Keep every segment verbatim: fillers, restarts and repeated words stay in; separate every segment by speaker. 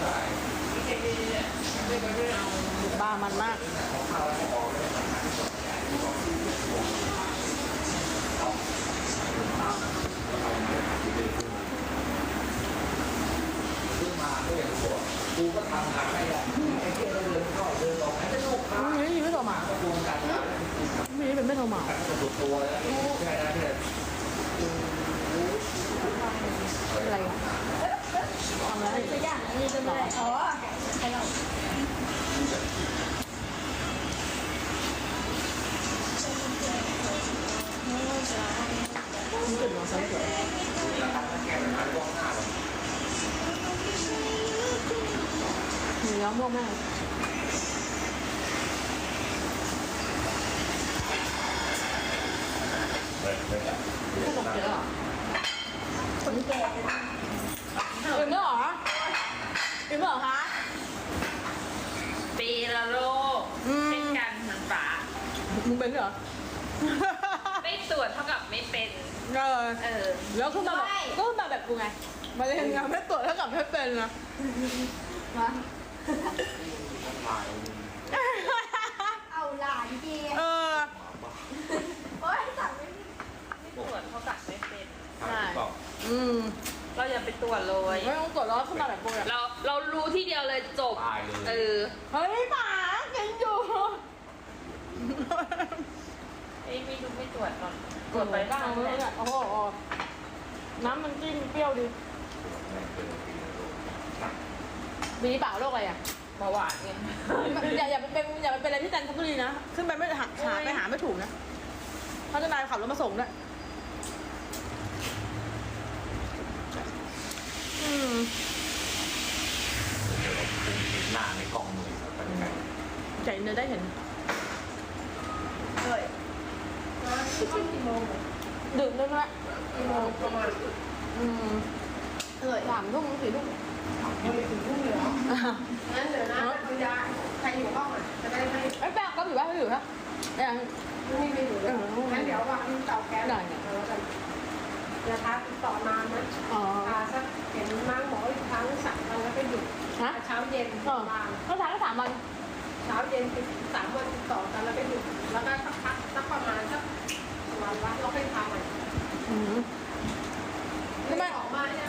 Speaker 1: บ้ามันมาก
Speaker 2: กูก็ทำงานไม่ได้ไอ้เจ้าเดินเข้าเดินออกให้ลูกค้า
Speaker 1: นี่ไม่โทรมา
Speaker 2: ก็รวมกันมา
Speaker 1: ไม่เป็นไม่โทรมา
Speaker 2: สุดตัวแล้วแค่นั้นเลย
Speaker 1: อะไรอ่ะทำอะไรจะยากนี่จะไม่อ๋อใช่เรานี่จุดน้องสาวสวย
Speaker 2: แล้วทำแค่นั้นล่วงหน้าเลย
Speaker 1: หนูย้อมม่วงมาก
Speaker 2: ไม่ไม่ได้
Speaker 1: ขนมเยอะเหรอคนแก่อิ่มแล้วเหรออิ่มแล้วเหรอคะ
Speaker 3: ปีละโลกเป็นการหันป่า
Speaker 1: มึงเป็นเหรอ
Speaker 3: ไม่ตรวจเท่ากับไม่เป็น
Speaker 1: เออ
Speaker 3: เออ
Speaker 1: แล้วขึ้นมาแบบก็ขึ้นมาแบบกูไงมาเลยงานไม่ตรวจเท่ากับไม่เป็นนะมา
Speaker 2: ถ่าย
Speaker 4: เอาหลานเจีย
Speaker 1: เออ
Speaker 4: โอ๊ยสั่งไม่ได้
Speaker 3: ไม่ตรวจเท่ากับไม่เป็น
Speaker 2: ถ่ายบอก
Speaker 1: อืม
Speaker 3: เราอย่าไปตรวจเลย
Speaker 1: ไม่ต้องตรวจแล้วขึ้นมาแบบกูอะ
Speaker 3: เราเรารู้ที่เดียวเลยจบ
Speaker 2: ตายเลย
Speaker 3: เออ
Speaker 1: เฮ้ยหมากินอยู่
Speaker 3: เอ้ยไม่รู้ไม่ตรวจก่อนตรวจไปบ้าง
Speaker 1: เล
Speaker 3: แห
Speaker 1: ย
Speaker 3: ละ
Speaker 1: โอ้โหน้ำมันจิ้มเปรี้ยวดิมีเปล่าโรคอะไรอ่ะ
Speaker 3: เบาหวานไง
Speaker 1: อย่าอย่าไปเป็นอย่าไปเป็นอะไรที่จันทบุรีนะขึ้นไปไม่หาหาไปหาไม่ถูกนะเขาจะนายขับรถมาส่งด้วยอืม
Speaker 2: หน้าในกล้องเลยเป็นไง
Speaker 1: ใจเนื้อได้เห็น
Speaker 4: เลยมาช่วงกี่โมง
Speaker 1: ดื่มด้วยนะ
Speaker 4: กี่โมงประมาณ
Speaker 1: อืม
Speaker 4: เลย
Speaker 1: สามทุ่มสี่ทุ่ม
Speaker 4: ยังไม่ถึงทุ่มเลยเหรองั้นเดี๋ยวนะคุณยายใครอยู่ห้องอ่ะจะได้ไม่
Speaker 1: ไอ้แป้งก็อยู่ป่ะเขาอยู่ป่ะยัง
Speaker 4: ไม่ไม่อยู่เลยงั้นเดี๋ยววางเตาแก๊ส
Speaker 1: ได้เนี่ย
Speaker 4: แล้วกันนะคะติดต่อนานนะ
Speaker 1: อ๋อ
Speaker 4: อ่าสักเห็นม้างหมออีกครั้งสามวันแล้วก็หยุด
Speaker 1: ฮะ
Speaker 4: เช้าเย็น
Speaker 1: เออ
Speaker 4: วาง
Speaker 1: เขาทานก็สามวัน
Speaker 4: เช้าเย็นติดสามวันติดต่อกันแล้วก็หยุดแล้วก็สักพักสักประมาณสักวันละเราค่อยทำใหม่
Speaker 1: อืม
Speaker 4: ไม่ได้ออกมาเนี่ย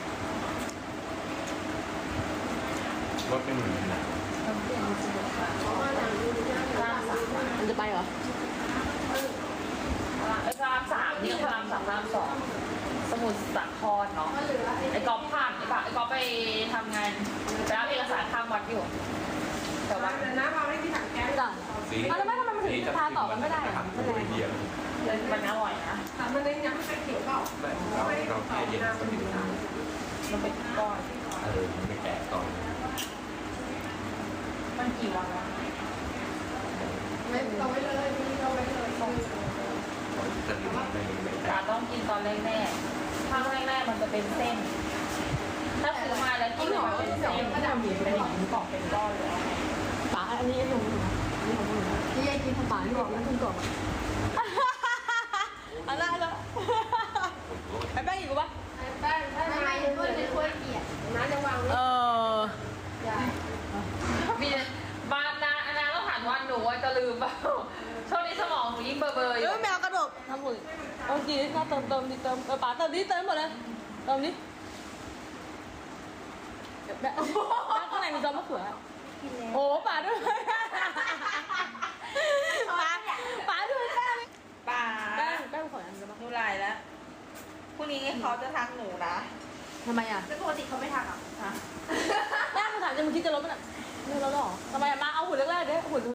Speaker 2: รถไม่เหมือนกันนะ
Speaker 4: ออกมาอย่างนี้เนี่ยเดี๋ยววางสามวัน
Speaker 1: มันจะไปเหรอ
Speaker 3: เออพระรามสามนี่พระรามสามพระรามสองสมุทรสาครเนาะ
Speaker 4: ก็เหลือ
Speaker 3: ไอ้กอล์ฟผ่านไอ้ปะไอ้กอล์ฟไปทำงานไปรับเอกสารข้างวัดอยู่ แต่
Speaker 4: วา
Speaker 3: ว่า
Speaker 4: งนะวางไว้ที่ถังแก๊ส
Speaker 1: จ้ะ
Speaker 2: สี
Speaker 1: เอาแล้วไม่ทำไมมันถึงทาต่อกันไม่ได้อะ
Speaker 2: ทำตัวเดียว
Speaker 3: มันอร่อยนะ
Speaker 4: แต่มันยังยังไม่ใช่เขียวเปล่า
Speaker 2: เราเราแค่เย็นสนิทนะ
Speaker 3: มันเป็นก้อน
Speaker 2: เออมันไม่แก่ตอน
Speaker 3: มันกี่วันวะ
Speaker 4: ไม่เราไว้เลยนี่เราไว้เลยต้อง
Speaker 2: จะลืมไม่ไม่
Speaker 3: จา
Speaker 2: แก่
Speaker 3: ต้องกินตอนแรกๆข้างแรกๆมันจะเป็นเส้น ถ้าซื้อมาแล้วกินมันเป็นเส้นก็จะมีเป็นหลอดกล่องเป็นก้อนเลย
Speaker 1: ป๋าอันนี้ของหนูนะอันนี้ของหนูนะ
Speaker 4: ที่ยายกิน
Speaker 1: ป๋าที่บอกแล้วคุณกล่องอันนั้นแล้วไอ้แป้งอีกปะ
Speaker 4: แป้งถ้าไงก็จะช่วยเกียรนะจะวาง
Speaker 1: เออ
Speaker 4: ใหญ่
Speaker 3: มีบานนาอนาต้องถามว่าหนูจะลืมเปล่าช่วงนี้สมองหนูยิ่งเบอร์เบอร์อ
Speaker 1: เอยู่ อแมวกระโดดทำหมดเออจีน่าเติมเติมดิเติมเออป๋าเติมดิเติมหมดเลยเติมดิแม่ข้างในมีซอสมะเขือโอ้ป๋าด้วยป๋าป๋าด้วยแป้ง
Speaker 3: ป่า
Speaker 1: แป้งแป้งขออันกันบ้าง
Speaker 3: หนูไลน์แล้วพรุ่งนี้เขาจะทักหนูนะ
Speaker 1: ทำไมอ่ะ
Speaker 4: แล้วปกติเขาไม่ทำอ่ะ
Speaker 3: ฮะ
Speaker 1: แป้งถามจะมึงคิดจะลบมันอ่ะไม่ลบหรอทำไมมาเอาหุ่นแรกๆเด้หุ่น